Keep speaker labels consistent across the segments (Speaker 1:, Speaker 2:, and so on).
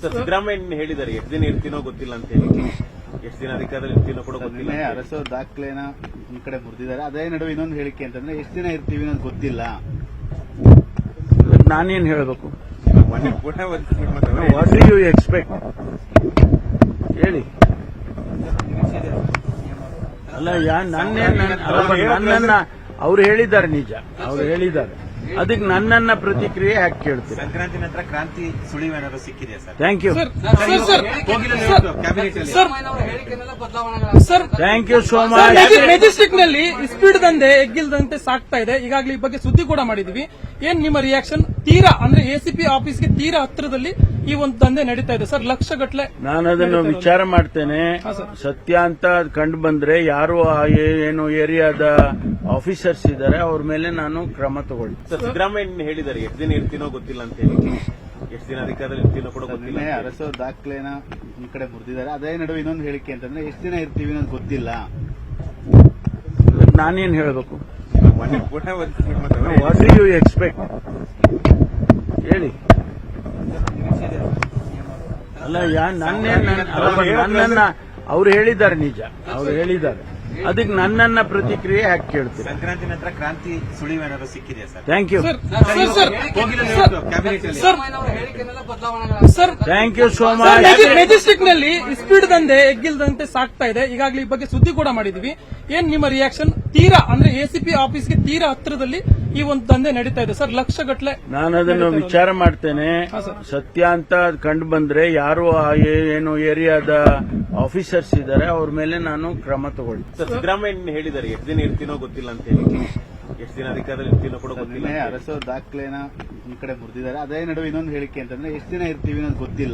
Speaker 1: ಸಿದ್ದರಾಮಯ್ಯ ಹೇಳಿದ್ದಾರೆ ಎಷ್ಟು ದಿನ ಇರ್ತೀನೋ ಗೊತ್ತಿಲ್ಲ ಅಂತ ಹೇಳಿ, ಎಷ್ಟು ದಿನ ಅಧಿಕಾರದಲ್ಲಿ ಇರ್ತೀನೋ ಕೂಡ ಗೊತ್ತಿಲ್ಲ.
Speaker 2: ಅರಸೋ ದಾಖಲೆನ ಈ ಕಡೆ ಮುರಿದಿದ್ದಾರೆ. ಅದೇ ನಡುವೆ ಇನ್ನೊಂದು ಹೇಳಿಕೆ ಅಂತಂದ್ರೆ ಎಷ್ಟು ದಿನ ಇರ್ತೀವಿ ಅನ್ನೋದು ಗೊತ್ತಿಲ್ಲ.
Speaker 3: ನಾನೇನ್ ಹೇಳಬೇಕು?
Speaker 1: ಮೊನ್ನೆ ಕೂಡ
Speaker 3: ವಾಟ್ ಡು ಯು ಎಕ್ಸ್ಪೆಕ್ಟ್ ಹೇಳಿ. ಅಲ್ಲ ನನ್ನನ್ನ ಅವ್ರು ಹೇಳಿದ್ದಾರೆ, ನಿಜ ಅವ್ರು ಹೇಳಿದ್ದಾರೆ. ಅದಕ್ಕೆ ನನ್ನನ್ನ ಪ್ರತಿಕ್ರಿಯೆ ಯಾಕೆ ಕೇಳ್ತೀವಿ?
Speaker 1: ಸಂಕ್ರಾಂತಿ ನಂತರ ಕ್ರಾಂತಿ ಸುಳಿವು ಏನಾದ್ರು ಸಿಕ್ಕಿದೆಯಾ sir?
Speaker 3: Thank you, thank you so much.
Speaker 4: Majestic ನಲ್ಲಿ ಸ್ಪೀಡ್ ದಂಧೆ ಎಗ್ಗಿಲ್ದಂತೆ ಸಾಕ್ತಾ ಇದೆ. ಈಗಾಗಲೇ ಈ ಬಗ್ಗೆ ಸುದ್ದಿ ಕೂಡ ಮಾಡಿದೀವಿ. ಏನ್ ನಿಮ್ಮ ರಿಯಾಕ್ಷನ್? ತೀರಾ ಅಂದ್ರೆ ಎಸಿಪಿ ಆಫೀಸ್ಗೆ ತೀರಾ ಹತ್ತಿರದಲ್ಲಿ ಈ ಒಂದು ದಂಧೆ ನಡೀತಾ ಇದೆ ಸರ್, ಲಕ್ಷಗಟ್ಟಲೆ.
Speaker 3: ನಾನು ಅದನ್ನು ವಿಚಾರ ಮಾಡ್ತೇನೆ. ಸತ್ಯ ಅಂತ ಕಂಡು ಬಂದ್ರೆ ಯಾರು ಏನು ಏರಿಯಾದ ಆಫೀಸರ್ಸ್ ಇದ್ದಾರೆ ಅವ್ರ ಮೇಲೆ ನಾನು ಕ್ರಮ ತಗೊಳ್ತೀನಿ.
Speaker 1: ಸಿದ್ದರಾಮಯ್ಯ ಹೇಳಿದ್ದಾರೆ ಎಷ್ಟು ದಿನ ಇರ್ತೀನೋ ಗೊತ್ತಿಲ್ಲ ಅಂತ ಹೇಳಿ, ಎಷ್ಟು ದಿನ ಅಧಿಕಾರದಲ್ಲಿ ಇರ್ತೀನೋ ಕೂಡ ಗೊತ್ತಿಲ್ಲ.
Speaker 2: ಅರಸೋ ದಾಖಲೆನ ಈ ಕಡೆ ಮುರಿದಿದ್ದಾರೆ. ಅದೇ ನಡುವೆ ಇನ್ನೊಂದು ಹೇಳಿಕೆ ಅಂತಂದ್ರೆ ಎಷ್ಟು ದಿನ ಇರ್ತೀವಿ ಅನ್ನೋದು ಗೊತ್ತಿಲ್ಲ.
Speaker 3: ನಾನೇನ್ ಹೇಳಬೇಕು?
Speaker 1: ಮೊನ್ನೆ ಕೂಡ
Speaker 3: ವಾಟ್ ಡು ಯು ಎಕ್ಸ್ಪೆಕ್ಟ್ ಹೇಳಿ. ಅಲ್ಲ ನನ್ನನ್ನ ಅವ್ರು ಹೇಳಿದ್ದಾರೆ, ನಿಜ ಅವ್ರು ಹೇಳಿದ್ದಾರೆ. ಅದಕ್ಕೆ ನನ್ನನ್ನ ಪ್ರತಿಕ್ರಿಯೆ ಯಾಕೆ ಕೇಳ್ತೀವಿ?
Speaker 1: ಸಂಕ್ರಾಂತಿ ನಂತರ ಕ್ರಾಂತಿ ಸುಳಿವು ಏನಾದ್ರು ಸಿಕ್ಕಿದೆಯಾ sir?
Speaker 3: Thank you, thank you so much.
Speaker 4: Majestic ನಲ್ಲಿ ಸ್ಪೀಡ್ ದಂಧೆ ಎಗ್ಗಿಲ್ದಂತೆ ಸಾಕ್ತಾ ಇದೆ. ಈಗಾಗಲೇ ಈ ಬಗ್ಗೆ ಸುದ್ದಿ ಕೂಡ ಮಾಡಿದೀವಿ. ಏನ್ ನಿಮ್ಮ ರಿಯಾಕ್ಷನ್? ತೀರಾ ಅಂದ್ರೆ ಎಸಿಪಿ ಆಫೀಸ್ಗೆ ತೀರಾ ಹತ್ತಿರದಲ್ಲಿ ಈ ಒಂದು ದಂಧೆ ನಡೀತಾ ಇದೆ ಸರ್, ಲಕ್ಷಗಟ್ಟಲೆ.
Speaker 3: ನಾನು ಅದನ್ನು ವಿಚಾರ ಮಾಡ್ತೇನೆ. ಸತ್ಯ ಅಂತ ಕಂಡು ಬಂದ್ರೆ ಯಾರು ಏನು ಏರಿಯಾದ ಆಫೀಸರ್ಸ್ ಇದ್ದಾರೆ ಅವ್ರ ಮೇಲೆ ನಾನು ಕ್ರಮ ತಗೊಳ್ತೀನಿ.
Speaker 1: ಸಿದ್ದರಾಮಯ್ಯ ಹೇಳಿದ್ದಾರೆ ಎಷ್ಟು ದಿನ ಇರ್ತೀನೋ ಗೊತ್ತಿಲ್ಲ ಅಂತ ಹೇಳಿ, ಎಷ್ಟು ದಿನ ಅಧಿಕಾರದಲ್ಲಿ ಇರ್ತೀನೋ ಕೂಡ ಗೊತ್ತಿಲ್ಲ.
Speaker 2: ಅರಸೋ ದಾಖಲೆನ ಈ ಕಡೆ ಮುರಿದಿದ್ದಾರೆ. ಅದೇ ನಡುವೆ ಇನ್ನೊಂದು ಹೇಳಿಕೆ ಅಂತಂದ್ರೆ ಎಷ್ಟು ದಿನ ಇರ್ತೀವಿ ಅನ್ನೋದು ಗೊತ್ತಿಲ್ಲ.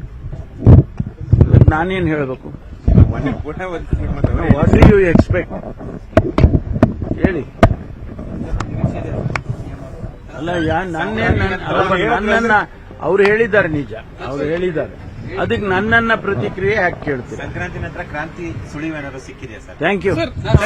Speaker 3: ನಾನೇನ್ ಹೇಳಬೇಕು?
Speaker 1: ಮೊನ್ನೆ ಕೂಡ
Speaker 3: ವಾಟ್ ಡು ಯು ಎಕ್ಸ್ಪೆಕ್ಟ್ ಹೇಳಿ. ಅಲ್ಲ ನನ್ನನ್ನ ಅವ್ರು ಹೇಳಿದ್ದಾರೆ, ನಿಜ ಅವ್ರು ಹೇಳಿದ್ದಾರೆ. ಅದಕ್ಕೆ ನನ್ನನ್ನ ಪ್ರತಿಕ್ರಿಯೆ ಯಾಕೆ ಕೇಳ್ತೀವಿ?
Speaker 1: ಸಂಕ್ರಾಂತಿ ನಂತರ ಕ್ರಾಂತಿ ಸುಳಿವು ಏನಾದ್ರು ಸಿಕ್ಕಿದೆಯಾ sir?
Speaker 3: Thank you,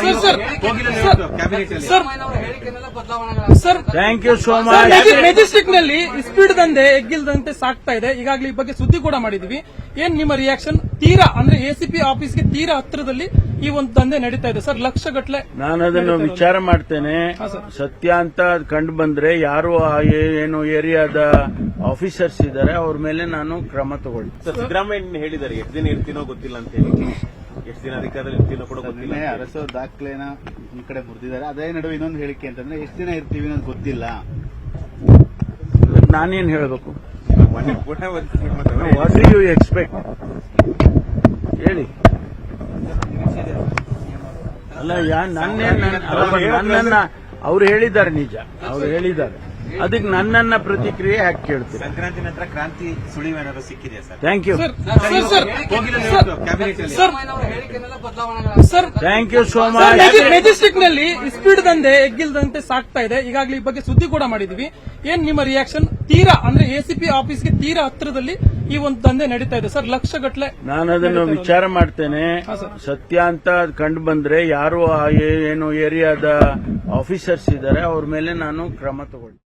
Speaker 3: thank you so much.
Speaker 4: Majestic ನಲ್ಲಿ ಸ್ಪೀಡ್ ದಂಧೆ ಎಗ್ಗಿಲ್ದಂತೆ ಸಾಕ್ತಾ ಇದೆ. ಈಗಾಗಲೇ ಈ ಬಗ್ಗೆ ಸುದ್ದಿ ಕೂಡ ಮಾಡಿದೀವಿ. ಏನ್ ನಿಮ್ಮ ರಿಯಾಕ್ಷನ್? ತೀರಾ ಅಂದ್ರೆ ಎಸಿಪಿ ಆಫೀಸ್ಗೆ ತೀರಾ ಹತ್ತಿರದಲ್ಲಿ ಈ ಒಂದು ದಂಧೆ ನಡೀತಾ ಇದೆ ಸರ್, ಲಕ್ಷಗಟ್ಟಲೆ.
Speaker 3: ನಾನು ಅದನ್ನು ವಿಚಾರ ಮಾಡ್ತೇನೆ. ಸತ್ಯ ಅಂತ ಕಂಡು ಬಂದ್ರೆ ಯಾರು ಏನು ಏರಿಯಾದ ಆಫೀಸರ್ಸ್ ಇದ್ದಾರೆ ಅವ್ರ ಮೇಲೆ ನಾನು ಕ್ರಮ ತಗೊಳ್ತೀನಿ.
Speaker 1: ಸಿದ್ದರಾಮಯ್ಯ ಹೇಳಿದ್ದಾರೆ ಎಷ್ಟು ದಿನ ಇರ್ತೀನೋ ಗೊತ್ತಿಲ್ಲ ಅಂತ ಹೇಳಿ, ಎಷ್ಟು ದಿನ ಅಧಿಕಾರದಲ್ಲಿ ಇರ್ತೀನೋ ಕೂಡ ಗೊತ್ತಿಲ್ಲ.
Speaker 2: ಅರಸೋ ದಾಖಲೆನ ಈ ಕಡೆ ಮುರಿದಿದ್ದಾರೆ. ಅದೇ ನಡುವೆ ಇನ್ನೊಂದು ಹೇಳಿಕೆ ಅಂತಂದ್ರೆ ಎಷ್ಟು ದಿನ ಇರ್ತೀವಿ ಅನ್ನೋದು ಗೊತ್ತಿಲ್ಲ.
Speaker 3: ನಾನೇನ್ ಹೇಳಬೇಕು?
Speaker 1: ಮೊನ್ನೆ ಕೂಡ
Speaker 3: ವಾಟ್ ಡು ಯು ಎಕ್ಸ್ಪೆಕ್ಟ್ ಹೇಳಿ. ಅಲ್ಲ ನನ್ನನ್ನ ಅವ್ರು ಹೇಳಿದ್ದಾರೆ, ನಿಜ ಅವ್ರು ಹೇಳಿದ್ದಾರೆ. ಅದಕ್ಕೆ ನನ್ನನ್ನ ಪ್ರತಿಕ್ರಿಯೆ ಯಾಕೆ ಕೇಳ್ತೀವಿ?
Speaker 1: ಸಂಕ್ರಾಂತಿ ನಂತರ ಕ್ರಾಂತಿ ಸುಳಿವು ಏನಾದ್ರು ಸಿಕ್ಕಿದೆಯಾ sir?
Speaker 3: Thank you, thank you so much.
Speaker 4: Majestic ನಲ್ಲಿ ಸ್ಪೀಡ್ ದಂಧೆ ಎಗ್ಗಿಲ್ದಂತೆ ಸಾಕ್ತಾ ಇದೆ. ಈಗಾಗಲೇ ಈ ಬಗ್ಗೆ ಸುದ್ದಿ ಕೂಡ ಮಾಡಿದೀವಿ. ಏನ್ ನಿಮ್ಮ ರಿಯಾಕ್ಷನ್? ತೀರಾ ಅಂದ್ರೆ ಎಸಿಪಿ ಆಫೀಸ್ಗೆ ತೀರಾ ಹತ್ತಿರದಲ್ಲಿ ಈ ಒಂದು ದಂಧೆ ನಡೀತಾ ಇದೆ ಸರ್, ಲಕ್ಷಗಟ್ಟಲೆ.
Speaker 3: ನಾನು ಅದನ್ನು ವಿಚಾರ ಮಾಡ್ತೇನೆ. ಸತ್ಯ ಅಂತ ಕಂಡು ಬಂದ್ರೆ ಯಾರು ಏನು ಏರಿಯಾದ ಆಫೀಸರ್ಸ್ ಇದ್ದಾರೆ ಅವ್ರ ಮೇಲೆ ನಾನು ಕ್ರಮ ತಗೊಳ್ತೀನಿ.